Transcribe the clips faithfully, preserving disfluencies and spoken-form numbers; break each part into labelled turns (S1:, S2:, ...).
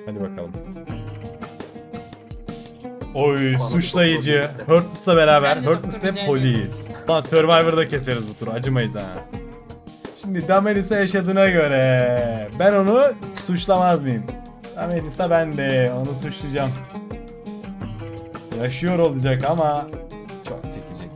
S1: Hadi bakalım. Oy suçlayıcı. Hurtless'la beraber.
S2: Ben de
S1: Hurtless
S2: doktor
S1: ve
S2: rica
S1: polis. Lan Survivor'da keseriz bu turu. Acımayız ha. Şimdi Damelisa yaşadığına göre ben onu suçlamaz mıyım? Damelisa ben de onu suçlayacağım. Yaşıyor olacak ama çok çekecek.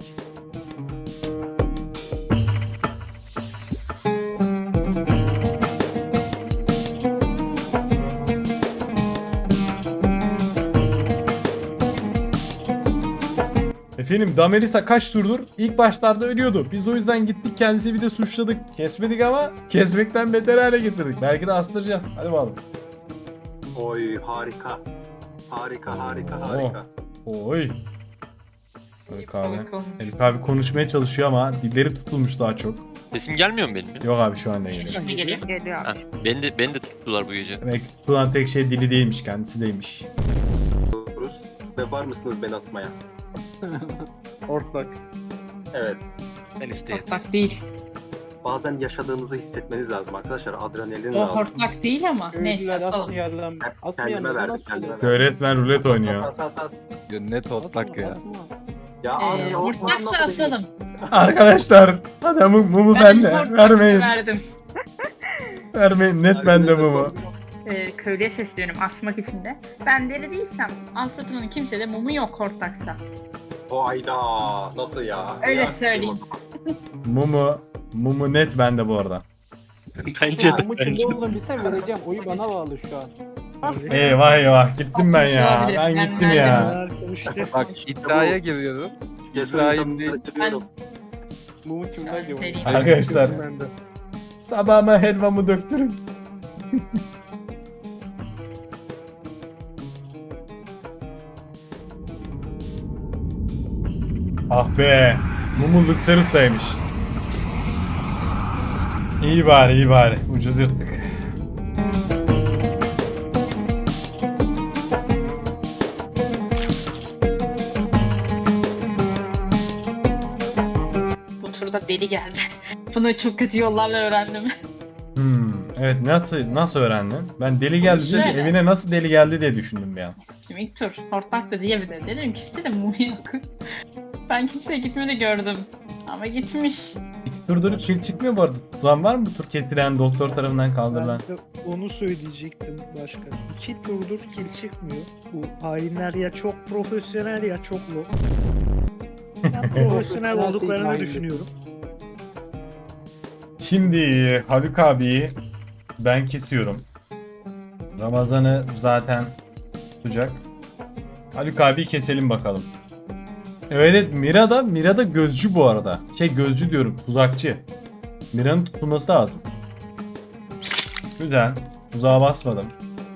S1: Efendim Damelisa kaç turdur? İlk başlarda ölüyordu. Biz o yüzden gittik kendisi bir de suçladık. Kesmedik ama kesmekten beter hale getirdik. Belki de astıracağız. Hadi bakalım.
S3: Oy harika. Harika harika harika.
S1: Oy. Haluk abi.
S2: Balık olmuş.
S1: Haluk abi konuşmaya çalışıyor ama dilleri tutulmuş daha çok.
S4: Sesim gelmiyor mu benim ya?
S1: Yok abi şu anda geliyor.
S2: Şimdi geliyor.
S5: Geliyor abi.
S4: Ha, beni de beni de tuttular bu gece.
S1: Demek ki tutulan tek şey dili değilmiş, kendisi değilmiş.
S3: Rus ve var mısınız beni asmaya?
S6: Ortak.
S3: Evet.
S4: Ben isteyeyim.
S2: Hortlak değil.
S3: Bazen yaşadığınızı hissetmeniz lazım arkadaşlar. Adrenalin
S2: O
S3: lazım.
S2: hortlak değil ama. Neyse
S6: Köylüler
S2: asalım.
S6: asmayalım.
S3: Ben
S6: Asmayalım.
S3: kendime verdim,
S6: Nasıl
S3: kendime
S6: olur?
S1: Köy resmen rulet oynuyor.
S3: As, as, as.
S7: Net otlak ya.
S6: Asma.
S3: Ya abi
S2: Ee,
S3: ya, ortadan
S2: hortlaksa
S3: nasıl değil?
S2: asalım.
S1: Arkadaşlar adamın mumu
S2: Ben
S1: bende.
S2: hortlak
S1: Vermeyin.
S2: verdim.
S1: Vermeyin. Net bende mumu.
S2: Ee, köylüye sesleniyorum asmak için de. Ben deli değilsem Anfıtının kimsede mumu yok hortlaksa.
S3: O ayda nasıl ya?
S2: Öyle
S3: Ya,
S2: söyleyeyim.
S1: Mumu. Mumu net bende bu arada.
S4: Bence de.
S6: Ama kimde olduğunu bilsem vereceğim. Oyu bana bağlı şu an.
S1: Eyvah eyvah gittim ben ya.
S2: Olabilir.
S1: Ben
S2: Ben
S1: gittim
S2: verdim.
S1: ya.
S7: Bak iddiaya giriyorum.
S3: Geçen
S7: İbrahim
S3: insanları
S7: değil.
S3: seviyorum.
S6: Mumu kimden
S2: Sen
S6: gibi?
S2: seriyim.
S1: Arkadaşlar.
S6: Bende.
S1: Sabahıma helvamı döktürün. Ah be. Mumu Luxarus'taymış. İyi bari iyi bari. Ucuz yırttık.
S2: Bu turda deli geldi. Bunu çok kötü yollarla öğrendim.
S1: Hmm, evet nasıl nasıl öğrendin? Ben deli geldi deyince
S2: Şöyle.
S1: evine nasıl deli geldi diye düşündüm bir an.
S2: Şimdi ilk tur hortlak da diyebilir. Dedim kimse de mumu yok. Ben kimseye gitmedi gördüm. Ama gitmiş.
S1: Durdurup kil çıkmıyor bu arada. Tutulan var mı bu tur kesilen doktor tarafından kaldırılan?
S8: Ben de onu söyleyecektim başkan. İki turdur kill çıkmıyor. Bu hainler ya çok profesyonel ya çok low. Ben profesyonel olduklarını düşünüyorum.
S1: Şimdi Haluk abiyi ben kesiyorum. Ramazan'ı zaten tutacak. Haluk abiyi keselim bakalım. Evet, evet Mira da Mira da gözcü bu arada. Şey gözcü diyorum tuzakçı. Mira'nın tutulması lazım. Güzel. Tuzağa basmadım.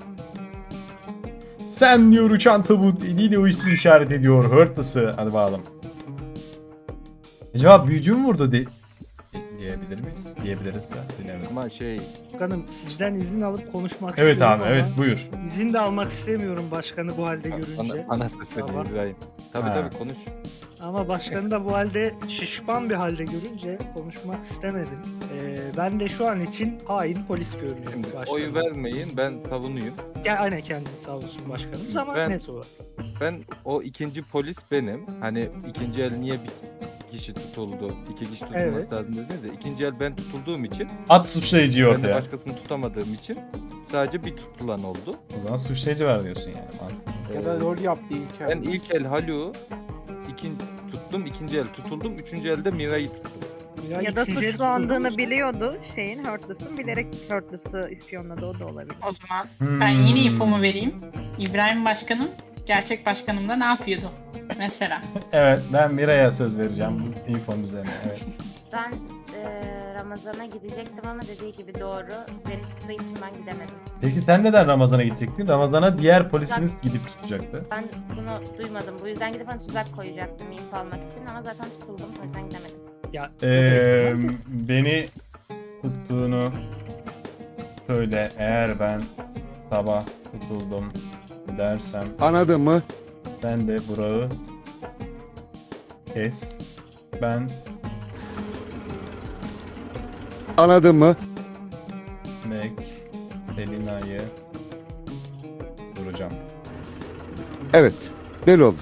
S1: Sen diyor uçan tabut eliyle o ismi işaret ediyor. Hurtless'ı. Hadi bakalım. Acaba büyücü mü vurdu de diyebilir miyiz? Diyebiliriz ya. Bilemedim.
S7: Ama şey
S8: Başkanım sizden izin alıp konuşmak
S1: Evet
S8: istiyorum
S1: abi evet
S8: ama
S1: buyur.
S8: İzin de almak istemiyorum başkanı bu halde görünce.
S7: bana, bana sesleniyor
S8: Tamam.
S7: İbrahim. Tabii
S1: Ha.
S7: tabii konuş.
S8: Ama başkanı da bu halde şişman bir halde görünce konuşmak istemedim. Ee, ben de şu an için hain polis görünüyorum.
S7: Şimdi
S8: başkanım.
S7: oy vermeyin, ben savunuyum.
S8: Gel aynen kendini sağ olsun başkanımız ama
S7: Ben-
S8: net olarak.
S7: Ben o ikinci polis benim. Hani ikinci el niye bir kişi tutuldu, iki kişi tutulması
S8: Evet.
S7: lazım dediniz de ikinci el ben tutulduğum için,
S1: At suçlayıcıyı
S7: ben de
S1: ortaya.
S7: başkasını tutamadığım için sadece bir tutulan oldu.
S1: O zaman suçlayıcı var diyorsun yani. Mantıklı.
S6: Ya da
S7: Ee,
S6: rol yaptı ilk
S7: Ben ilk el Haluk'u ikin, tuttum, ikinci el tutuldum, üçüncü elde Mira'yı tuttum.
S5: Ya da
S8: üçüncü el
S5: suçlandığını
S8: tutuldu.
S5: biliyordu şeyin Hurtless'ın bilerek Hurtless'ı ispiyonladı o da olabilir.
S2: O zaman
S1: Hmm.
S2: ben yine infomu vereyim. İbrahim Başkanım, gerçek başkanım da ne yapıyordu? Mesela.
S1: Evet ben Mira'ya söz vereceğim bu infonun üzerine. Evet.
S9: Ben eee, Ramazan'a gidecektim ama dediği gibi doğru. Beni tuttuğu için ben gidemedim.
S1: Peki sen neden Ramazan'a gidecektin? Ramazan'a diğer polisiniz gidip tutacaktı.
S9: Ben bunu duymadım. Bu yüzden gidip hani tuzak koyacaktım info almak için ama zaten tutuldum. O yüzden gidemedim.
S8: Ya,
S1: Ee, beni tuttuğunu söyle eğer ben sabah tutuldum dersem
S10: Anladın mı?
S1: ben de Burak'ı kes. Ben
S10: Anladın mı?
S1: Mac Selina'yı Vuracağım.
S10: Evet, belli oldu.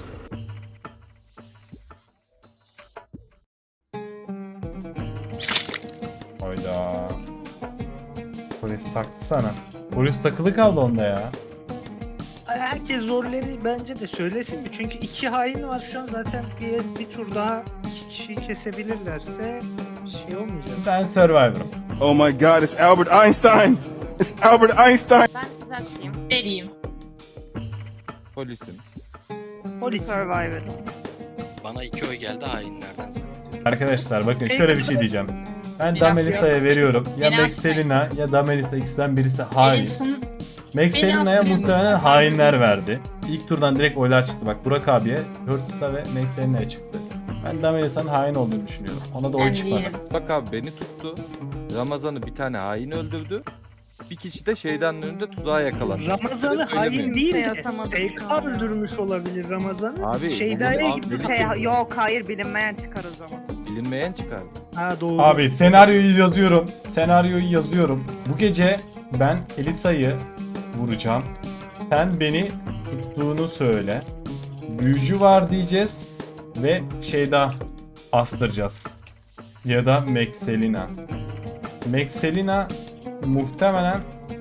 S1: Hayda. Polis taktı sana. Polis takılı kaldı onda ya.
S8: Herkes rolleri bence de söylesin mi? Çünkü iki hain var şu an zaten bir, bir tur daha iki kişiyi kesebilirlerse şey olmayacak.
S1: Ben Survivor'ım.
S10: Oh my god, it's Albert Einstein! It's Albert Einstein!
S9: Ben tuzakçıyım.
S2: Vereyim.
S7: Polisim.
S8: Polis.
S5: Survivor.
S4: Bana iki oy geldi hainlerden zannediyorum.
S1: Arkadaşlar bakın şöyle bir şey diyeceğim. Ben
S2: Biraz
S1: Damelisa'ya veriyorum. Ya
S2: Biraz
S1: Maxelina ya Damelisa ikisinden birisi hain.
S2: Alison
S1: Maxelina'ya
S2: Biraz
S1: muhtemelen
S2: biraz-
S1: hainler verdi. İlk turdan direkt oylar çıktı. Bak Burak abiye, Hurtus'a ve Maxelina'ya çıktı. Ben Damelisa'nın hain olduğunu düşünüyorum. Ona da oy
S2: ben
S1: çıkmadı.
S2: değilim.
S7: Bak abi beni tuttu. Ramazan'ı bir tane hain öldürdü. Bir kişi de şeyden önünde tuzağa yakalandı.
S8: Ramazan'ı
S7: Öyle
S8: hain
S7: söylemiyorum.
S8: değil de
S5: Yatamadım
S8: S K
S5: şu an ya.
S8: öldürmüş olabilir Ramazan'ı.
S7: Abi,
S8: Şeyda'ya
S7: abi,
S8: gitti.
S7: Birlikte-
S5: Şey, yok hayır bilinmeyen çıkar o zaman.
S7: Bilinmeyen çıkardı.
S8: Ha doğru.
S1: Abi senaryoyu yazıyorum. Senaryoyu yazıyorum. Bu gece ben Elisa'yı vuracağım. Sen beni tuttuğunu söyle. Büyücü var diyeceğiz. Ve şeyda astıracağız. Ya da Maxelina. Maxelina muhtemelen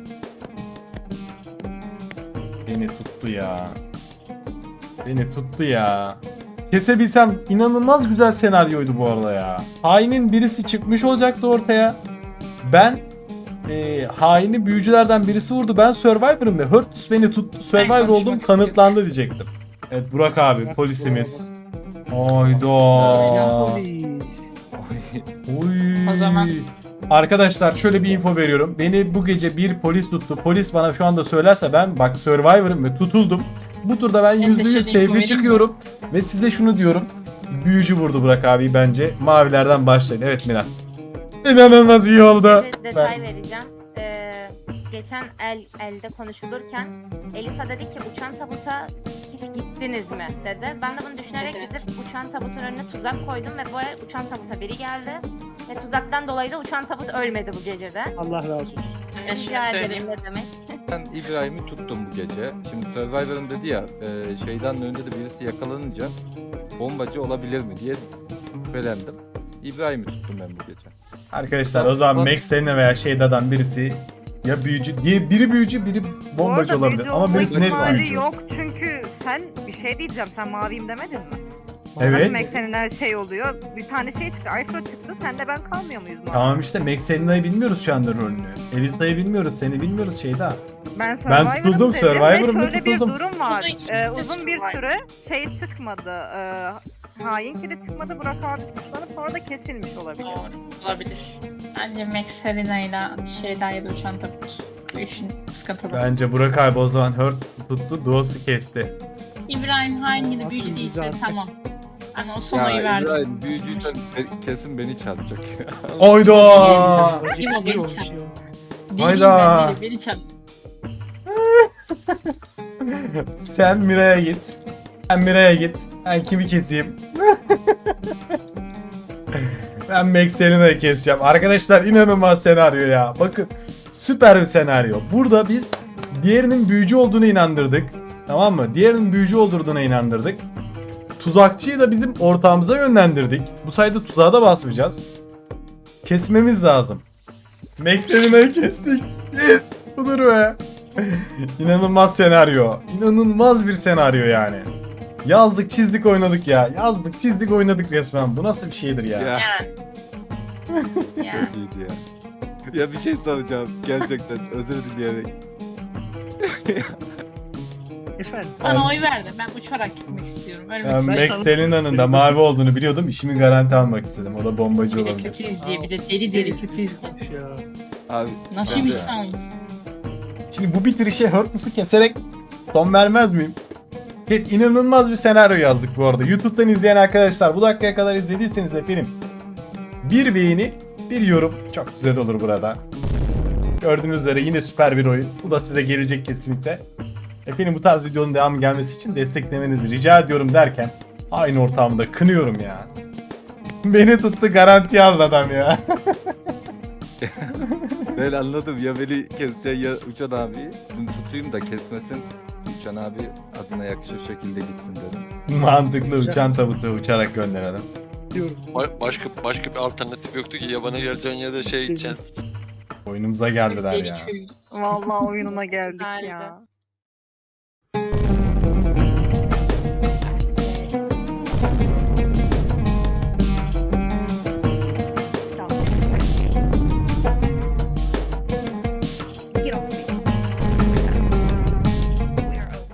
S1: beni tuttu ya. Beni tuttu ya. Kesebilsem inanılmaz güzel senaryoydu bu arada ya. Hainin birisi çıkmış olacaktı ortaya. Ben e, haini büyücülerden birisi vurdu. Ben Survivor'ım ve Hurtus beni tuttu. Survivor
S2: konuşmak
S1: oldum
S2: istiyorum.
S1: kanıtlandı diyecektim. Evet Burak abi polisimiz.
S8: Aynen
S1: Hayda.
S8: polis.
S1: Uy.
S2: O zaman-
S1: Arkadaşlar şöyle bir info veriyorum. Beni bu gece bir polis tuttu. Polis bana şu anda söylerse ben bak Survivor'ım ve tutuldum. Bu turda ben
S2: Ben de
S1: yüzde yüz
S2: şöyle info
S1: sevgili
S2: vereyim
S1: çıkıyorum. Ve size şunu diyorum. Büyücü vurdu Burak abi bence. Mavilerden başlayın. Evet Miran. İnanılmaz iyi oldu.
S9: Bir detay vereceğim. Ee, geçen el elde konuşulurken Elisa dedi ki uçan tabuta hiç gittiniz mi dedi. Ben de bunu düşünerek
S2: Evet.
S9: gidip uçan tabutun önüne tuzak koydum ve bu el uçan tabuta biri geldi. Ve tuzaktan dolayı da uçan tabut ölmedi bu gecede.
S8: Allah razı olsun.
S2: Ben
S9: Rica
S2: şunu
S9: ederim
S2: söyleyeyim.
S9: ne demek.
S7: Ben İbrahim'i tuttum bu gece. Şimdi Survivor'ın dedi ya e, şeyden önünde de birisi yakalanınca bombacı olabilir mi diye şüphelendim. İbrahim'i tuttum ben bu gece.
S1: Arkadaşlar o zaman Max'lerine veya Şeyda'dan birisi ya büyücü diye biri büyücü biri
S5: Bu
S1: bombacı
S5: arada
S1: olabilir.
S5: büyücü
S1: Ama
S5: olma
S1: birisi net
S5: ihtimali
S1: büyücü.
S5: yok çünkü sen bir şey diyeceğim, sen maviyim demedin mi?
S1: Evet.
S5: Demek senin her şey oluyor. Bir tane şey çıktı, Alfa çıktı, sen de ben kalmıyor muyuz mavi?
S1: Tamam işte Max'Elina'yı bilmiyoruz şu anda rolünü. Elisa'yı bilmiyoruz, seni bilmiyoruz Şeyda.
S5: Ben,
S1: Ben
S5: Survivor'ım
S1: tutuldum,
S5: dedim ve
S1: Survivor'ım ve
S5: şöyle
S1: tutuldum.
S5: bir durum var.
S2: Bu da ikisi
S5: Ee,
S2: de
S5: uzun bir
S2: Survivor.
S5: süre şey çıkmadı. E, hain kili çıkmadı. Burak abi suçlanıp sonra da kesilmiş olabilir.
S2: Doğru. Olabilir. Bence Max Helena ile şeyden ya da uçan tabut. Bu işin sıkıntılı.
S1: Bence Burak abi o zaman Hurtus'u tuttu, Duos'u kesti.
S2: İbrahim hangi
S8: Asıl
S2: de büyücü
S8: bizi
S2: değilse
S8: artık-
S2: tamam. Hani o son
S7: Ya
S2: oyu verdim.
S7: İbrahim büyücüysen be- kesin beni çarpacak ya.
S1: Oyda!
S2: İbo
S8: Bir
S2: beni
S8: olmuş
S2: çarp.
S8: ya.
S2: Değilim
S1: Hayda.
S2: ben, beni çarp.
S1: Sen Mira'ya git. Ben Mira'ya git. Ben kimi keseyim? Ben Max'Elina'yı keseceğim. Arkadaşlar inanılmaz senaryo ya. Bakın süper bir senaryo. Burada biz diğerinin büyücü olduğunu inandırdık. Tamam mı? Diğerinin büyücü olduğuna inandırdık. Tuzakçıyı da bizim ortağımıza yönlendirdik. Bu sayede tuzağa da basmayacağız. Kesmemiz lazım. Max'Elina'yı kestik. Yes! Budur be. İnanılmaz senaryo. İnanılmaz bir senaryo yani. Yazdık çizdik oynadık ya. Yazdık çizdik oynadık resmen. Bu nasıl bir şeydir ya?
S7: Ya
S2: Yani. yani.
S7: çok iyiydi ya. Ya bir şey soracağım gerçekten özür dileyerek.
S8: Efendim.
S2: Bana oy verdi. Ben uçarak gitmek istiyorum. Ölmek
S1: Ben
S2: istiyorum.
S1: Max Selina'nın da mavi olduğunu biliyordum. İşimi garanti almak istedim. O da bombacı
S2: Bir de
S1: olabilir.
S2: kötü izciye, bir de deli deli kötü izciye.
S8: Ya.
S7: Abi
S2: Nasıl
S7: ya.
S2: bir insanız?
S1: Şimdi bu bitirişe Hurtus'u keserek son vermez miyim? Evet, inanılmaz bir senaryo yazdık bu arada. YouTube'dan izleyen arkadaşlar bu dakikaya kadar izlediyseniz efendim bir beğeni, bir yorum çok güzel olur burada. Gördüğünüz üzere yine süper bir oyun. Bu da size gelecek kesinlikle. Efendim bu tarz videonun devamı gelmesi için desteklemenizi rica ediyorum derken aynı ortamda kınıyorum ya. Beni tuttu garantiye aldı adam ya.
S7: Ben anladım ya beni keseceksin ya Uçan abi. Bunu tutayım da kesmesin. Uçan abi adına yakışır şekilde gitsin dedim.
S1: Mantıklı, uçan tabutu uçarak gönderelim.
S8: Diyorum.
S4: Ba- başka başka bir alternatif yoktu ki ya bana geleceğin ya da şey için.
S1: Oyunumuza geldiler ya.
S2: Deli köy.
S5: Vallahi oyununa geldik
S9: Güzeldi.
S5: ya.